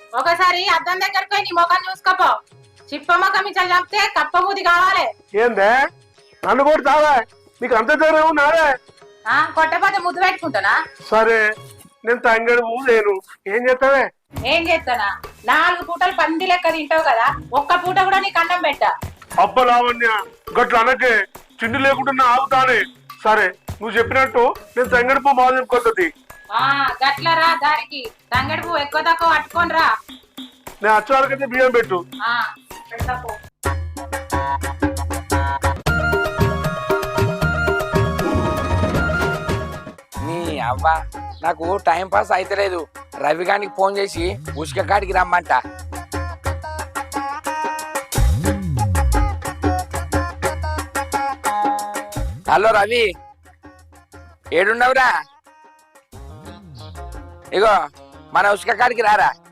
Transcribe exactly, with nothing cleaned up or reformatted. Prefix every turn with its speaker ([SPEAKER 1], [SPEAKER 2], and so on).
[SPEAKER 1] ఒకసారి అద్దం దగ్గరకు పోయి నీ ముఖం చూసుకోపో. చిప్ప ముఖం ఇట్లా చంపితే కప్ప బూది కావాలి.
[SPEAKER 2] ఏందే నన్ను కూడా తావా? నీకు అంత ధైర్యం నాదే?
[SPEAKER 1] ఆ కొట్టపోతే ముద్దు పెట్టుకుంటానా?
[SPEAKER 2] సరే నేను తంగడు లేను, ఏం చేస్తావే?
[SPEAKER 1] ఏం చేస్తానా? నాలుగు పూటలు పంది లెక్క తింటావు కదా, ఒక్క పూట కూడా నీకు అన్నం పెట్టా.
[SPEAKER 2] అబ్బ లావణ్య గట్ల అనకే, చిండి లేకుండా ఆగుతానే. సరే నువ్వు చెప్పినట్టు నేను తంగడి పువ్వు బాగా చెప్పుకొస్తుంది.
[SPEAKER 1] ఆ గట్లరా దారికి తంగడి పువ్వు ఎక్కువ తక్కువ పట్టుకొని రా.
[SPEAKER 2] నేను వచ్చే వరకైతే బియ్యం పెట్టు.
[SPEAKER 1] ఆ పెడతాపో.
[SPEAKER 3] నీ అవ్వ నాకు టైం పాస్ అయితలేదు. రవి గారికి ఫోన్ చేసి ఉసుక కాడికి రమ్మంట. హలో రవి, ఏడున్నావురా? ఇగో మన ఉసుక కాడికి రారా.